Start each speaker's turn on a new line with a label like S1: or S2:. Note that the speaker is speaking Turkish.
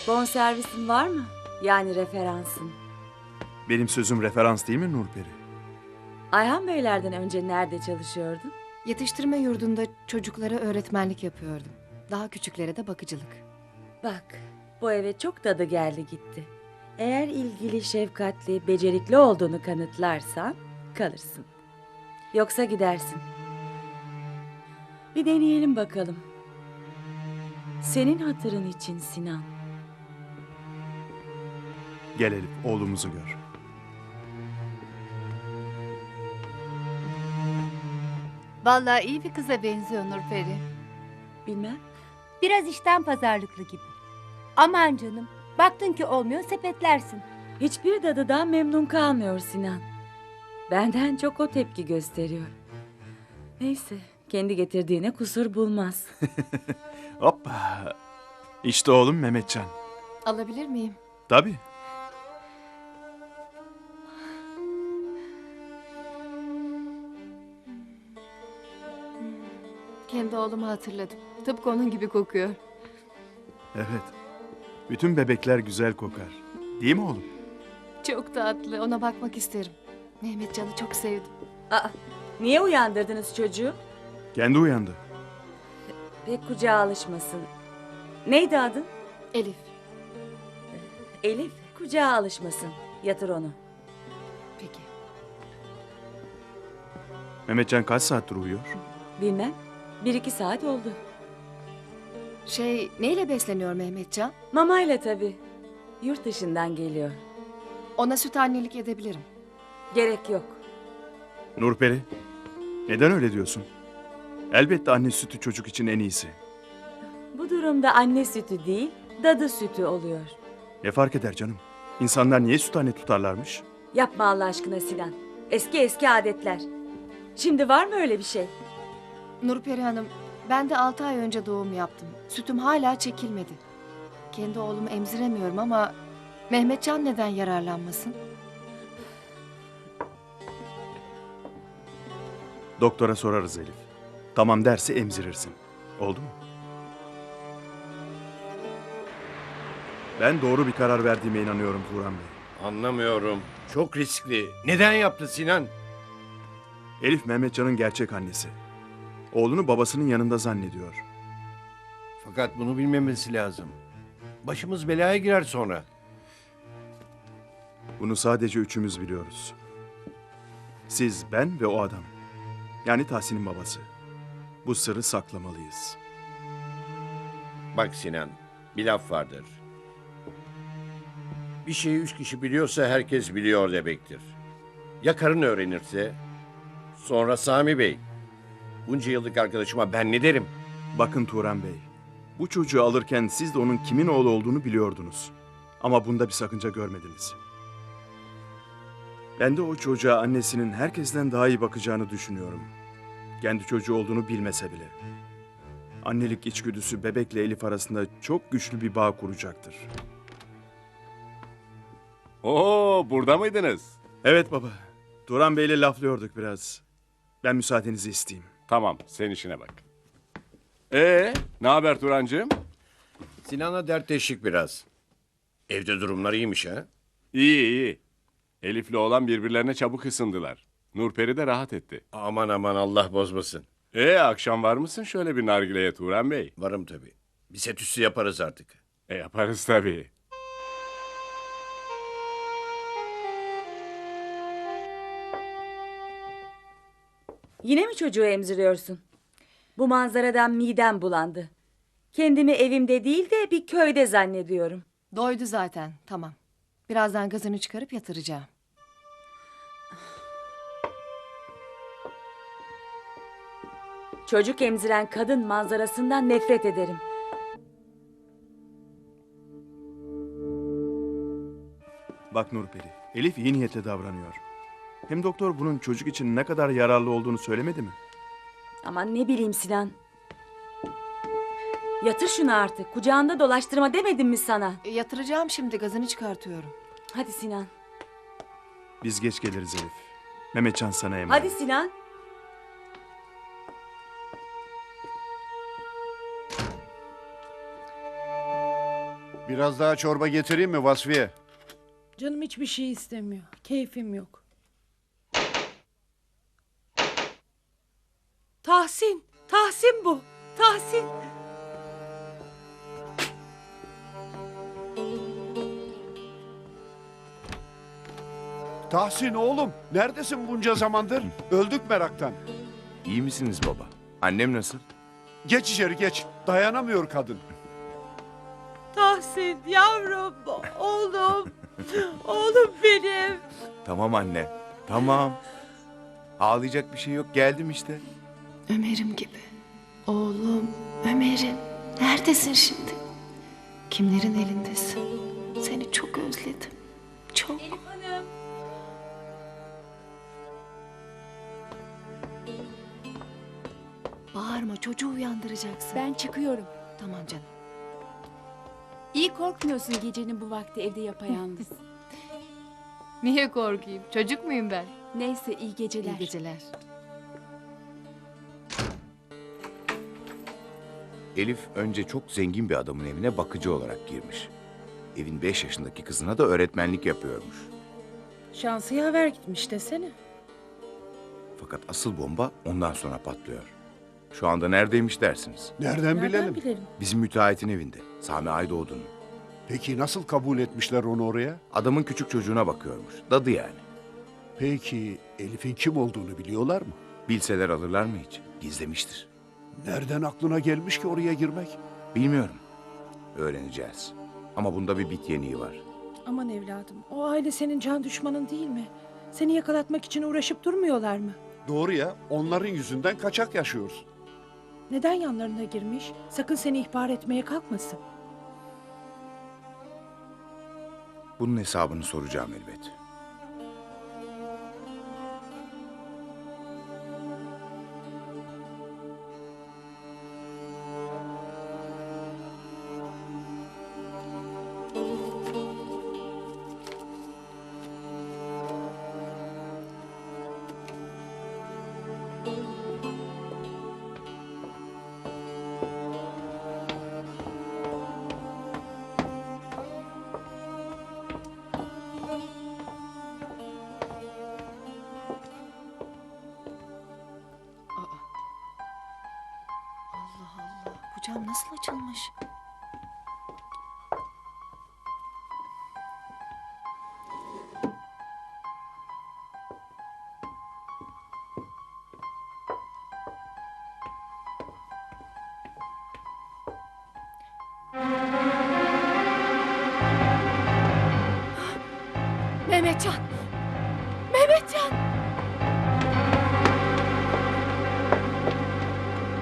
S1: Bonservisin var mı? Yani referansın.
S2: Benim sözüm referans değil mi Nurperi?
S1: Ayhan Beylerden önce nerede çalışıyordun?
S3: Yetiştirme yurdunda çocuklara öğretmenlik yapıyordum. Daha küçüklere de bakıcılık.
S1: Bak, bu eve çok tadı geldi gitti. Eğer ilgili, şefkatli, becerikli olduğunu kanıtlarsan kalırsın. Yoksa gidersin. Bir deneyelim bakalım. Senin hatırın için Sinan.
S2: Gel Elif, oğlumuzu gör.
S4: Vallahi iyi bir kıza benziyor Nurperi.
S1: Bilmem.
S4: Biraz işten pazarlıklı gibi. Aman canım, baktın ki olmuyor sepetlersin.
S1: Hiçbir dadıdan memnun kalmıyor Sinan. Benden çok o tepki gösteriyor. Neyse, kendi getirdiğine kusur bulmaz.
S2: Hoppa. İşte oğlum Mehmetcan.
S3: Alabilir miyim?
S2: Tabii.
S3: Kendi oğlumu hatırladım. Tıpkı onun gibi kokuyor.
S2: Evet. Bütün bebekler güzel kokar. Değil mi oğlum?
S3: Çok tatlı. Ona bakmak isterim. Mehmetcan'ı çok sevdim.
S1: Aa, niye uyandırdınız çocuğu?
S2: Kendi uyandı.
S1: Pek kucağa alışmasın. Neydi adın?
S3: Elif.
S1: Elif, kucağa alışmasın. Yatır onu.
S3: Peki.
S2: Mehmetcan kaç saattir uyuyor?
S1: Bilmem. 1-2 saat oldu.
S3: Neyle besleniyor Mehmetcan?
S1: Mamayla tabii. Yurt dışından geliyor.
S3: Ona süt annelik edebilirim.
S1: Gerek yok.
S2: Nurperi, neden öyle diyorsun? Elbette anne sütü çocuk için en iyisi.
S1: Bu durumda anne sütü değil, dadı sütü oluyor.
S2: Ne fark eder canım? İnsanlar niye süt anne tutarlarmış?
S1: Yapma Allah aşkına Sinan. Eski adetler. Şimdi var mı öyle bir şey?
S3: Nurperi Hanım, ben de 6 ay önce doğum yaptım. Sütüm hala çekilmedi. Kendi oğlumu emziremiyorum ama Mehmetcan neden yararlanmasın?
S2: Doktora sorarız Elif. Tamam derse emzirirsin. Oldu mu? Ben doğru bir karar verdiğime inanıyorum Turan Bey.
S5: Anlamıyorum. Çok riskli. Neden yaptı Sinan?
S2: Elif Mehmetcan'ın gerçek annesi. Oğlunu babasının yanında zannediyor.
S5: Fakat bunu bilmemesi lazım. Başımız belaya girer sonra.
S2: Bunu sadece üçümüz biliyoruz. Siz, ben ve o adam. Yani Tahsin'in babası. Bu sırrı saklamalıyız.
S5: Bak Sinan, bir laf vardır. Bir şeyi 3 kişi biliyorsa herkes biliyor demektir. Ya karın öğrenirse? Sonra Sami Bey. Bunca yıllık arkadaşıma ben ne derim?
S2: Bakın Turan Bey, bu çocuğu alırken siz de onun kimin oğlu olduğunu biliyordunuz. Ama bunda bir sakınca görmediniz. Ben de o çocuğa annesinin herkesten daha iyi bakacağını düşünüyorum. Kendi çocuğu olduğunu bilmese bile. Annelik içgüdüsü bebekle Elif arasında çok güçlü bir bağ kuracaktır.
S6: Oo, burada mıydınız?
S2: Evet baba, Turan Bey'le laflıyorduk biraz. Ben müsaadenizi isteyeyim.
S6: Tamam, sen işine bak. Ne haber Turancığım?
S5: Sinan'la dertleştik biraz. Evde durumlar iyiymiş ha?
S6: İyi, iyi. Elif'le oğlan birbirlerine çabuk ısındılar. Nurperi de rahat etti.
S5: Aman aman Allah bozmasın.
S6: Akşam var mısın şöyle bir nargileye Turan Bey?
S5: Varım tabii. Bir set üstü yaparız artık.
S6: Yaparız tabii.
S1: Yine mi çocuğu emziriyorsun? Bu manzaradan midem bulandı. Kendimi evimde değil de bir köyde zannediyorum.
S3: Doydu zaten. Tamam. Birazdan gazını çıkarıp yatıracağım.
S1: Çocuk emziren kadın manzarasından nefret ederim.
S2: Bak Nurperi, Elif iyi niyetle davranıyor. Hem doktor bunun çocuk için ne kadar yararlı olduğunu söylemedi mi?
S1: Aman ne bileyim Sinan. Yatır şunu artık. Kucağında dolaştırma demedim mi sana?
S3: Yatıracağım şimdi. Gazını çıkartıyorum.
S1: Hadi Sinan.
S2: Biz geç geliriz Elif. Mehmetcan sana emanet.
S1: Hadi Sinan.
S7: Biraz daha çorba getireyim mi Vasfiye?
S8: Canım hiçbir şey istemiyor. Keyfim yok. Tahsin! Tahsin bu! Tahsin!
S7: Tahsin oğlum, neredesin bunca zamandır? Öldük meraktan.
S9: İyi misiniz baba? Annem nasıl?
S7: Geç içeri geç. Dayanamıyor kadın.
S8: Tahsin yavrum! Oğlum! Oğlum benim!
S9: Tamam anne. Tamam. Ağlayacak bir şey yok. Geldim işte.
S3: Ömer'im gibi. Oğlum, Ömer'im. Neredesin şimdi? Kimlerin elindesin? Seni çok özledim. Çok. Bağırma, çocuğu uyandıracaksın.
S10: Ben çıkıyorum.
S3: Tamam canım.
S10: İyi korkmuyorsun gecenin bu vakti evde yapayalnız.
S11: Niye korkayım? Çocuk muyum ben?
S10: Neyse iyi geceler.
S3: İyi geceler.
S9: Elif önce çok zengin bir adamın evine bakıcı olarak girmiş. Evin 5 yaşındaki kızına da öğretmenlik yapıyormuş.
S8: Şansı yaver gitmiş desene.
S9: Fakat asıl bomba ondan sonra patlıyor. Şu anda neredeymiş dersiniz?
S7: Nereden bilelim?
S8: Nereden bilelim?
S9: Bizim müteahhitin evinde. Sami Aydoğdu'nun.
S7: Peki nasıl kabul etmişler onu oraya?
S9: Adamın küçük çocuğuna bakıyormuş. Dadı yani.
S7: Peki Elif'in kim olduğunu biliyorlar mı?
S9: Bilseler alırlar mı hiç? Gizlemiştir.
S7: Nereden aklına gelmiş ki oraya girmek?
S9: Bilmiyorum. Öğreneceğiz. Ama bunda bir bit yeniği var.
S8: Aman evladım, o aile senin can düşmanın değil mi? Seni yakalatmak için uğraşıp durmuyorlar mı?
S7: Doğru ya, onların yüzünden kaçak yaşıyoruz.
S8: Neden yanlarına girmiş? Sakın seni ihbar etmeye kalkmasın.
S9: Bunun hesabını soracağım elbet.
S3: Allah Allah, bu cam nasıl açılmış?
S8: Mehmetcan! Mehmetcan!